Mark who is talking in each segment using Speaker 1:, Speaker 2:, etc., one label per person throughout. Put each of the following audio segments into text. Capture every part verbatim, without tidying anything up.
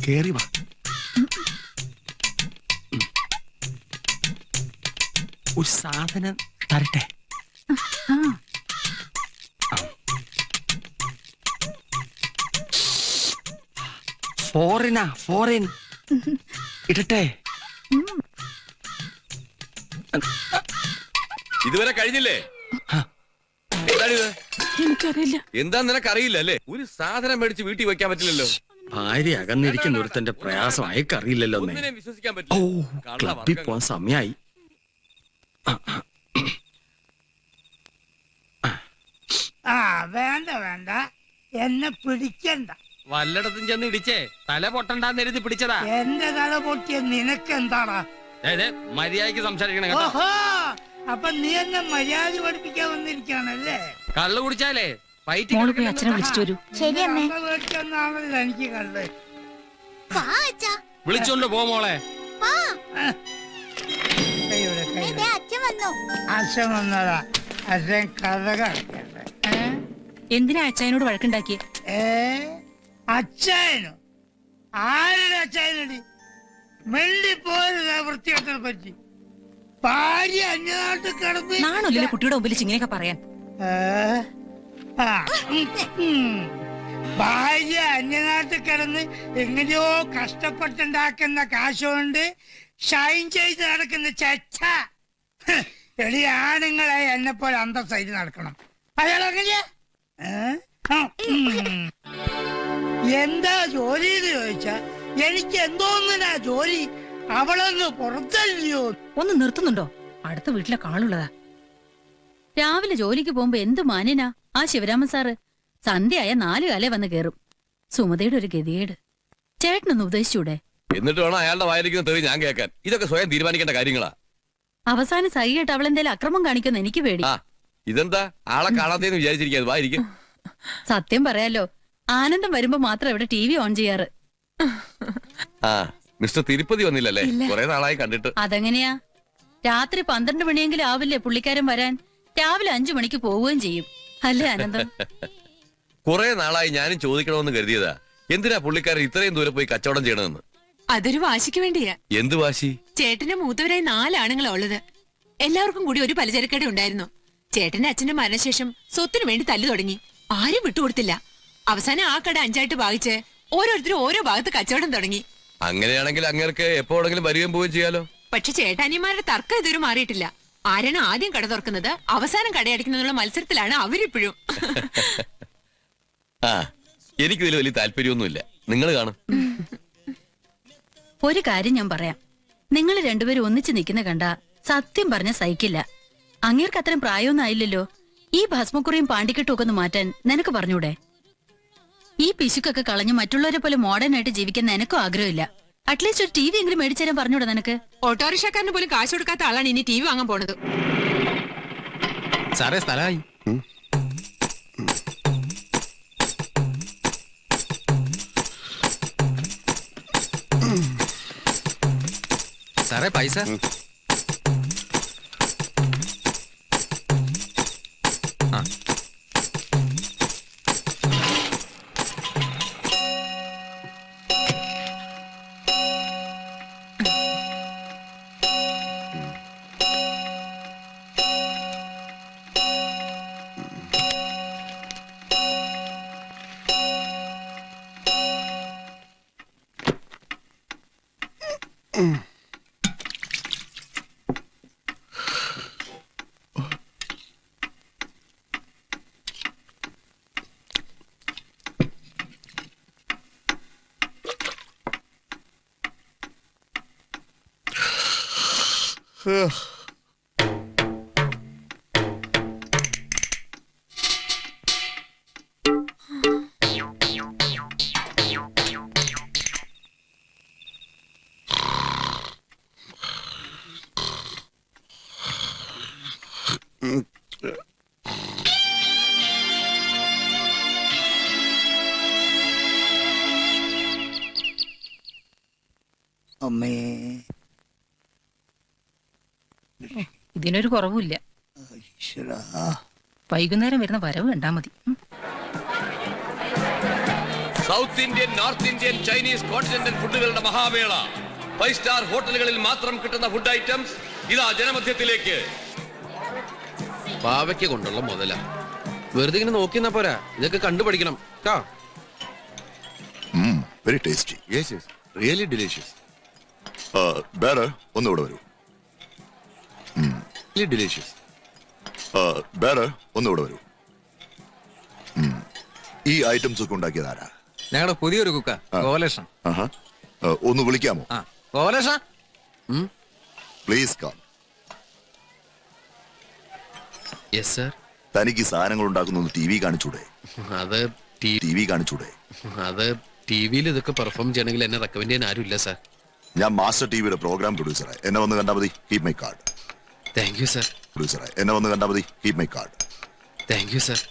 Speaker 1: കേറി വാ. ഒരു സാധനം തരട്ടെ. ഫോറിനാ ഫോറിൻ ഇടട്ടെ.
Speaker 2: ഇതുവരെ കഴിഞ്ഞില്ലേ?
Speaker 3: എനിക്കറിയില്ല.
Speaker 2: എന്താ നിനക്ക് അറിയില്ല അല്ലേ? ഒരു സാധനം മേടിച്ച് വീട്ടിൽ വെക്കാൻ പറ്റില്ലല്ലോ.
Speaker 1: ഭാര്യ അകന്നിരിക്കുന്ന ഒരുത്തന്റെ പ്രയാസം അയക്കറിയില്ലല്ലോ.
Speaker 2: ഒന്നിനെ വിശ്വസിക്കാൻ
Speaker 1: ഓ
Speaker 2: പറ്റില്ല.
Speaker 1: ക്ലബിൽ പോവാൻ സമയായി.
Speaker 4: ആ വേണ്ട വേണ്ട, എന്നെ പിടിക്കണ്ട.
Speaker 5: വല്ലയിടത്തും ചെന്ന് ഇടിച്ചേ തല പൊട്ടണ്ടെന്ന് എഴുതി പിടിച്ചതാ.
Speaker 4: എന്റെ തല പൊട്ടിയ നിനക്ക് എന്താടാ?
Speaker 5: മര്യാദക്ക് സംസാരിക്കണം കേട്ടോ.
Speaker 4: ഓഹോ, അപ്പൊ നീ എന്നെ മര്യാദ പഠിപ്പിക്കാൻ വന്നിരിക്കാണല്ലേ?
Speaker 5: കള്ളു കുടിച്ചാലേ
Speaker 3: മോള് പോയി അച്ഛനെ വിളിച്ചിട്ട് വരൂ.
Speaker 4: മേടിച്ചെന്നാണല്ലോ എനിക്ക് കണ്ട്.
Speaker 5: വിളിച്ചോണ്ട് പോ മോളെ.
Speaker 4: അച്ഛൻ വന്നതാ. അച്ഛൻ കഥ കളിക്കണ്ട.
Speaker 3: എന്തിനാ അച്ഛനോട് വഴക്കുണ്ടാക്കിയേ?
Speaker 4: ഏ അച്ഛനോ? ആരുടെ അച്ഛനടി? മെല്ലിപ്പോരുന്ന വൃത്തികെട്ടനെ പറ്റി. ഭാര്യ അന്യനാട്ടിൽ കിടന്ന്
Speaker 3: നാണല്ലേ കുട്ടിയുടെ മുമ്പിൽ ഇങ്ങനെയൊക്കെ പറയാൻ?
Speaker 4: ഭാര്യ അന്യനാട്ടിൽ കിടന്ന് എങ്ങനെയോ കഷ്ടപ്പെട്ടുണ്ടാക്കുന്ന കാശുകൊണ്ട് ഷൈൻ ചെയ്ത് നടക്കുന്ന ചെച്ച. എളി ആണുങ്ങളെ എന്നെ പോലെ അന്തസ്സായിട്ട് നടക്കണം. അയാൾ എങ്ങനെയാ? എന്താ ജോലി എന്ന് ചോദിച്ചാ എനിക്ക് എന്തോന്നിനാ ജോലി? അവളൊന്ന് പുറത്തല്ലയോ?
Speaker 3: ഒന്ന് നിർത്തുന്നുണ്ടോ? അടുത്ത വീട്ടിലെ കാളുള്ളതാ.
Speaker 6: രാവിലെ ജോലിക്ക് പോകുമ്പോ എന്ത് മാന്യനാ ആ ശിവരാമൻ സാറ്. സന്ധ്യയായ നാലു കാലേ വന്ന് കേറും. സുമതയുടെ ഒരു ഗതികേട്. ചേട്ടനൊന്ന് ഉപദേശിച്ചൂടെ?
Speaker 2: എന്നിട്ട് വേണം അയാളുടെ വായിരിക്കുന്ന തെറി ഞാൻ കേൾക്കാൻ. ഇതൊക്കെ സ്വയം തീരുമാനിക്കേണ്ട കാര്യങ്ങളാ.
Speaker 6: അവസാനം സഹിയായിട്ട് അവളെന്തേലും അക്രമം കാണിക്കുന്ന എനിക്ക് പേടി.
Speaker 2: ആ ഇതെന്താ ആളെ കാണാത്തേന്ന് വിചാരിച്ചിരിക്കാ? വായിരിക്കും.
Speaker 6: സത്യം പറയാലോ, ആനന്ദം വരുമ്പോ മാത്രം ഇവിടെ ടി വി ഓൺ ചെയ്യാറ്.
Speaker 2: ആ മിസ്റ്റർ തിരുപ്പതി വന്നില്ലല്ലേ? കുറെ നാളായി കണ്ടിട്ട്.
Speaker 6: അതെങ്ങനെയാ? രാത്രി പന്ത്രണ്ട് മണിയെങ്കിലും ആവില്ലേ പുള്ളിക്കാരൻ വരാൻ? രാവിലെ അഞ്ചു മണിക്ക് പോവുകയും ചെയ്യും അല്ലേ ആനന്ദം?
Speaker 2: കുറെ നാളായി ഞാനും ചോദിക്കണമെന്ന് കരുതിയതാ, എന്തിനാ പുള്ളിക്കാരൻ ഇത്രയും ദൂരെ പോയി കച്ചവടം ചെയ്യണമെന്ന്.
Speaker 7: അതൊരു വാശിക്ക് വേണ്ടിയാ.
Speaker 2: എന്ത് വാശി?
Speaker 7: ചേട്ടന്റെ മൂത്തവരായി നാലാണുങ്ങളാ ഉള്ളത്. എല്ലാവർക്കും കൂടി ഒരു പലചരക്കട ഉണ്ടായിരുന്നു. ചേട്ടന്റെ അച്ഛന്റെ മരണശേഷം സ്വത്തിനു വേണ്ടി തല്ലു തുടങ്ങി. ആരും വിട്ടുകൊടുത്തില്ല. അവസാനം ആ കട അഞ്ചായിട്ട് ഭാഗിച്ച് ഓരോരുത്തരും ഓരോ ഭാഗത്ത് കച്ചവടം തുടങ്ങി.
Speaker 2: അങ്ങനെയാണെങ്കിൽ അങ്ങേർക്ക് എപ്പോഴെങ്കിലും വരികയും പോവുകയും ചെയ്യാലോ.
Speaker 7: പക്ഷെ ചേട്ടാനിമാരുടെ തർക്കം ഇതുവരെ മാറിയിട്ടില്ല. ആരാണ് ആദ്യം കട തുറക്കുന്നത് അവസാനം കടയടിക്കുന്നതിനുള്ള മത്സരത്തിലാണ് അവരിപ്പോഴും.
Speaker 2: ആ എനിക്കിതിൽ വലിയ താല്പര്യമൊന്നുമില്ല. നിങ്ങൾ കാണും.
Speaker 6: ഒരു കാര്യം ഞാൻ പറയാം. നിങ്ങൾ രണ്ടുപേരും ഒന്നിച്ചു നിൽക്കുന്ന കണ്ട സത്യം പറഞ്ഞ സഹിക്കില്ല. അങ്ങേർക്ക് അത്രയും പ്രായമൊന്നും ആയില്ലല്ലോ. ഈ ഭസ്മക്കുറിയും പാണ്ടിക്കെട്ടും ഒക്കെ ഒന്ന് മാറ്റാൻ നിനക്ക് പറഞ്ഞൂടെ? ഈ പിശുക്കൊക്കെ കളഞ്ഞ് മറ്റുള്ളവരെ പോലെ മോഡേൺ ആയിട്ട് ജീവിക്കാൻ നിനക്കും ആഗ്രഹമില്ല. അറ്റ്ലീസ്റ്റ് ഒരു ടി വി എങ്കിലും മേടിച്ചു തരാൻ പറഞ്ഞൂടെ നിനക്ക്?
Speaker 7: ഓട്ടോറിക്ഷക്കാരന് പോലും കാശ് കൊടുക്കാത്ത ആളാണ് ഇനി ടി വി വാങ്ങാൻ പോണത്.
Speaker 5: സാറേ സ്ഥലമായി. സാറേ പൈസ. ആ
Speaker 4: അമ്മേ,
Speaker 3: ഇതിനൊരു കുറവുമില്ല. വൈകുന്നേരം വരുന്ന വരവ് കണ്ടാ മതി.
Speaker 2: South Indian, north Indian, Chinese, continental ഫുഡുകളുടെ മഹാവേള. ഫൈവ് സ്റ്റാർ ഹോട്ടലുകളിൽ മാത്രം കിട്ടുന്ന ഫുഡ് ഐറ്റംസ് ഇതാ ജനമധ്യത്തിലേക്ക്. പാവയ്ക്ക് കൊണ്ടുള്ള മുതല വെറുതെ ഇങ്ങനെ നോക്കിന്നാ പോരാ, ഇതൊക്കെ കണ്ടുപഠിക്കണം.
Speaker 8: Very tasty.
Speaker 2: Yes yes, really delicious.
Speaker 8: ബേറെ ഒന്നുകൂടെ വരൂ.
Speaker 2: ഡിലീഷ്യസ്.
Speaker 8: ബേറെ ഒന്നുകൂടെ വരൂ. ഉം. ഈ ഐറ്റംസ് ഒക്കെ ഉണ്ടാക്കിയത് ആരാ?
Speaker 5: ഞങ്ങളുടെ പുതിയൊരു കുക്ക ഗോപാലകൃഷ്ണൻ.
Speaker 8: ആഹാ. ആ, ഒന്ന് വിളിക്കാമോ?
Speaker 5: ആ Gopalakrishna.
Speaker 8: Please come.
Speaker 2: Yes sir.
Speaker 8: തനിക്ക് ഈ സാധനങ്ങൾ ഉണ്ടാക്കുന്ന ടി വി കാണിച്ചൂടെ?
Speaker 2: അത്
Speaker 8: ടി വി കാണിച്ചൂടെ?
Speaker 2: അത് ടി വിയിൽ ഇതൊക്കെ പെർഫോം ചെയ്യണമെങ്കിൽ എന്നെ റെക്കമെൻഡ് ചെയ്യാൻ ആരും ഇല്ല സാർ.
Speaker 8: ഞാൻ മാസ്റ്റർ ടിവിയുടെ പ്രോഗ്രാം പ്രൊഡ്യൂസറായി. എന്നെ വന്ന് കണ്ടാൽ മതി. Keep my card.
Speaker 2: Thank you sir.
Speaker 8: പ്രൊഡ്യൂസറായി എന്നെ വന്ന് കണ്ടാൽ മതി. Keep my card.
Speaker 2: Thank you sir.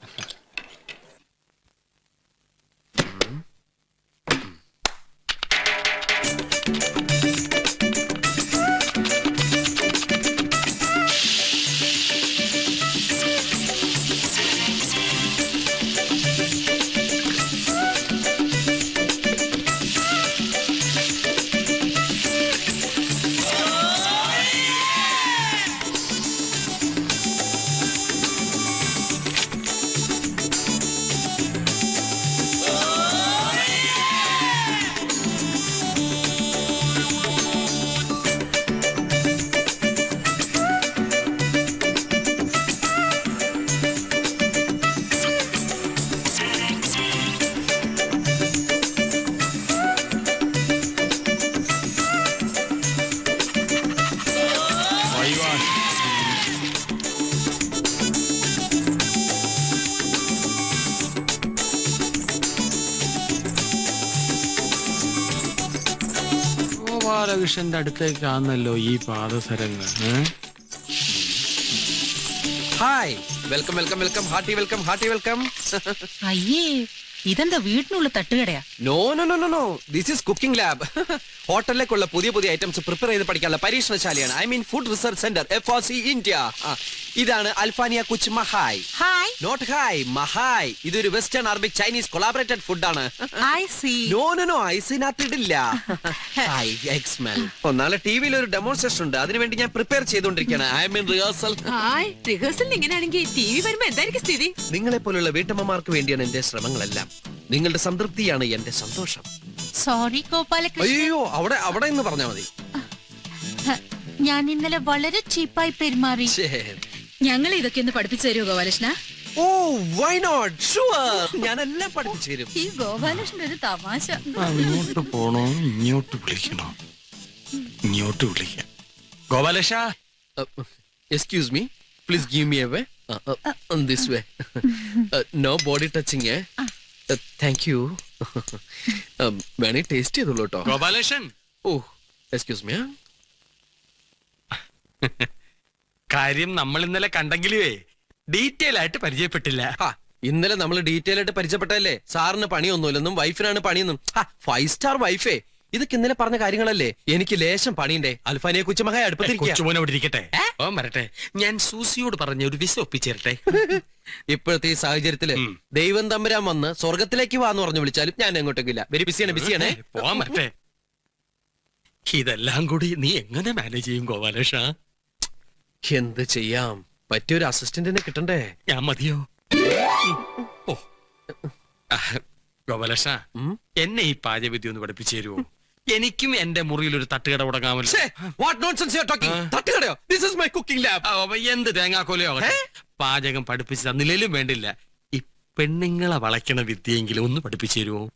Speaker 5: ഗോപാലകൃഷ്ണന്റെ അടുത്തേക്കാണല്ലോ ഈ പാദസരങ്ങൾ.
Speaker 2: Hi, welcome welcome welcome, hearty welcome, hearty welcome.
Speaker 3: അയ്യേ, ഇതെന്താ വീട്ടിനുള്ള തട്ടുകടയാ?
Speaker 2: No no no no no, this is cooking lab. ഹോട്ടലിലേക്കുള്ള പുതിയ പുതിയ ഐറ്റംസ് പ്രിപ്പയർ ചെയ്ത് പഠിക്കാനുള്ള പരീക്ഷണശാലയാണ്. I mean food research centre, F R C India. ഇതാണ് അൽഫാനിയ കുച്ച് മഹായ്.
Speaker 3: ഹായ്.
Speaker 2: Not hi, മഹായ്. ഇതൊരു വെസ്റ്റേൺ അറബിക് ചൈനീസ് കൊളാബറേറ്റഡ് ഫുഡാണ്.
Speaker 3: I see.
Speaker 2: No no no, ഐസിനകത്ത് ഇടില്ല. നാളെ ടി വിയിൽ ഒരു ഡെമോൺസ്ട്രേഷൻ ഉണ്ട്, അതിനുവേണ്ടി ഞാൻ പ്രിപ്പയർ ചെയ്തുകൊണ്ടിരിക്കുകയാണ്. I mean rehearsal.
Speaker 7: റിഹേഴ്സൽ ഇങ്ങനെയാണെങ്കിൽ ടി വി വരുമ്പോ എന്തായിരിക്കും സ്ഥിതി?
Speaker 2: നിങ്ങളെ പോലുള്ള വീട്ടമ്മമാർക്ക് വേണ്ടിയാണ് എന്റെ ശ്രമങ്ങളെല്ലാം. നിങ്ങളുടെ സംതൃപ്തിയാണ് എന്റെ സന്തോഷം.
Speaker 9: സോറി ഗോപാലകൃഷ്ണൻ,
Speaker 2: അയ്യോ, അവിടെ അവിടെ എന്ന് പറഞ്ഞാൽ മതി.
Speaker 9: ഞാൻ ഇന്നലെ വളരെ ചീപ്പായി പെരുമാറി.
Speaker 6: ഞങ്ങൾ ഇതൊക്കെ ഒന്ന് പഠിപ്പിച്ചു തരുമോ Gopalakrishna?
Speaker 2: Oh why not, sure, ഞാനെല്ലാം പഠിപ്പിച്ചു തരും.
Speaker 6: ഈ ഗോപാലകൃഷ്ണൻ ഒരു തമാശ.
Speaker 5: അങ്ങോട്ട് പോണോ ഇങ്ങോട്ട് വിളിക്കണോ? ഇങ്ങോട്ട് വിളിക്കാം. Gopalakrishna,
Speaker 2: excuse me, please give me a way. This way, no body touching. Thank you. വേണേ ടേസ്റ്റ് ചെയ്തോളൂ കേട്ടോ.
Speaker 5: ഗോപാലകൃഷ്ണൻ.
Speaker 2: Oh excuse me.
Speaker 5: കാര്യം നമ്മൾ ഇന്നലെ കണ്ടെങ്കിലുവേ ഡീറ്റെയിൽ ആയിട്ട് പരിചയപ്പെട്ടില്ല.
Speaker 2: ഇന്നലെ നമ്മൾ ഡീറ്റെയിൽ ആയിട്ട് പരിചയപ്പെട്ടല്ലേ. സാറിന് പണിയൊന്നുമില്ലെന്നും വൈഫിനാണ് പണിയെന്നും. ഫൈവ് സ്റ്റാർ വൈഫേ, ഇതൊക്കെ ഇന്നലെ പറഞ്ഞ കാര്യങ്ങളല്ലേ. എനിക്ക് ലേശം പണിയുണ്ടേ. അൽഫാനിയെ കുച്ചുമഹായ
Speaker 5: കൊച്ചുമോനെ അവിടെ ഇരിക്കട്ടെ. ഓ വരട്ടെ, ഞാൻ സൂസിയോട് പറഞ്ഞ ഒരു വിസ ഒപ്പിച്ചേരട്ടെ.
Speaker 2: ഇപ്പോഴത്തെ ഈ സാഹചര്യത്തില് ദൈവം തമ്പുരാൻ വന്ന് സ്വർഗത്തിലേക്ക് വാന്ന് പറഞ്ഞു വിളിച്ചാലും ഞാൻ എങ്ങോട്ടേക്കില്ല. വെരി ബിസിയാണ് ബിസിയാണേ.
Speaker 5: പോവാൻ വരട്ടെ. ഇതെല്ലാം കൂടി നീ എങ്ങനെ മാനേജ് ചെയ്യും ഗോപാലകൃഷ്ണ?
Speaker 2: എന്ത് ചെയ്യാം, പറ്റിയൊരു അസിസ്റ്റന്റിനെ കിട്ടണ്ടേ.
Speaker 5: ഞാൻ മതിയോ? ഓ ഗോപാലകൃഷ്ണ, എന്നെ ഈ പാചകവിദ്യ ഒന്ന് പഠിപ്പിച്ചു തരുമോ? എനിക്കും എന്റെ മുറിയിൽ ഒരു തട്ടുകട തുടങ്ങാമല്ലോ. എന്ത് തേങ്ങാക്കോലയോ പാചകം പഠിപ്പിച്ചു തന്നില്ലേലും വേണ്ടില്ല, ഈ പെണ്ണുങ്ങളെ വളയ്ക്കണ വിദ്യയെങ്കിലും ഒന്ന് പഠിപ്പിച്ചു തരുമോ?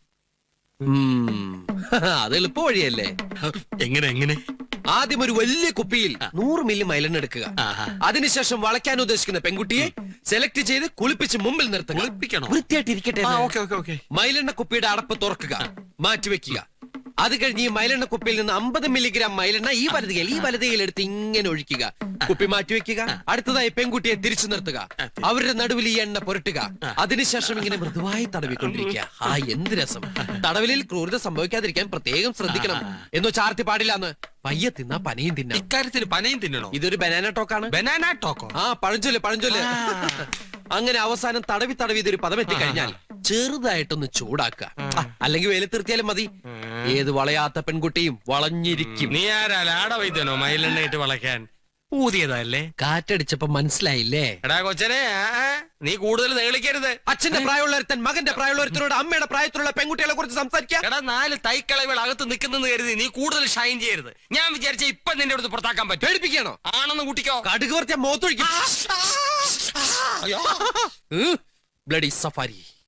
Speaker 2: അത് എളുപ്പ വഴിയല്ലേ.
Speaker 5: എങ്ങനെ എങ്ങനെ?
Speaker 2: ആദ്യം ഒരു വലിയ കുപ്പിയിൽ നൂറ് മില്ലി മൈലെണ്ണ എടുക്കുക. അതിനുശേഷം വളയ്ക്കാൻ ഉദ്ദേശിക്കുന്ന പെൺകുട്ടിയെ സെലക്ട് ചെയ്ത് കുളിപ്പിച്ച് മുമ്പിൽ നിർത്തുക. വൃത്തിയായിട്ടിരിക്കട്ടെ. മൈലെണ്ണ കുപ്പിയുടെ അടപ്പ് തുറക്കുക, മാറ്റിവെക്കുക. അത് കഴിഞ്ഞ് ഈ മൈലെണ്ണ കുപ്പിയിൽ നിന്ന് അമ്പത് മില്ലിഗ്രാം മൈലെണ്ണ ഈ വലതുകയിൽ ഈ വലതുകയിൽ എടുത്ത് ഇങ്ങനെ ഒഴിക്കുക. കുപ്പി മാറ്റിവെക്കുക. അടുത്തതായി പെൺകുട്ടിയെ തിരിച്ചു നിർത്തുക. അവരുടെ നടുവിൽ ഈ എണ്ണ പുരട്ടുക. അതിനുശേഷം ഇങ്ങനെ മൃദുവായി തടവിക്കൊണ്ടിരിക്കുക. ആ എന്ത് രസം. തടവിലിൽ ക്രൂരത സംഭവിക്കാതിരിക്കാൻ പ്രത്യേകം ശ്രദ്ധിക്കണം. എന്നോ ചാർത്തി പാടില്ലാന്ന്. പയ്യെ തിന്നാ പനയും തിന്നാം.
Speaker 5: ഇക്കാര്യത്തിൽ പനയും തിന്നണോ?
Speaker 2: ഇതൊരു ബനാന ടോക്കാണ്.
Speaker 5: Banana Toko?
Speaker 2: ആ പഴഞ്ചൊല്ല് പഴഞ്ചൊല്ല്. അങ്ങനെ അവസാനം തടവി തടവി ഇതൊരു പദം എത്തിക്കഴിഞ്ഞാൽ ചെറുതായിട്ടൊന്ന് ചൂടാക്കുക അല്ലെങ്കിൽ വെയിലത്തിർത്തിയാലും മതി. ഏത് വളയാത്ത പെൺകുട്ടിയും വളഞ്ഞിരിക്കും.
Speaker 5: നീ ആരാ ലാട വൈദ്യനോ മയിലെണ്ണ ഇട്ട് വളയ്ക്കാൻ? ഊതിയതല്ലേ?
Speaker 2: കാറ്റടിച്ചപ്പോ മനസ്സിലായില്ലേ?
Speaker 5: എടാ കൊച്ചനെ, ആ, ആ, നീ കൂടുതൽ നേളിക്കരുത്.
Speaker 2: അച്ഛന്റെ പ്രായമുള്ളൊരുത്തൻ മകന്റെ പ്രായമുള്ളൊരുത്തനോട് അമ്മയുടെ പ്രായത്തിലുള്ള പെൺകുട്ടികളെ കുറിച്ച് സംസാരിക്കാം.
Speaker 5: എടാ നാല് തൈക്കളവുകൾ അകത്ത് നിൽക്കുന്നെന്ന് കരുതി നീ കൂടുതൽ ഷൈൻ ചെയ്യരുത്. ഞാൻ വിചാരിച്ച ഇപ്പൊ നിന്റെ അടുത്ത് പുറത്താക്കാൻ പറ്റും.
Speaker 2: പേടിപ്പിക്കണോ?
Speaker 5: ആണെന്ന് കൂട്ടിക്കോ.
Speaker 2: കടുക് വർത്തിയ മോത്തൊഴിക്കും. Bloody safari.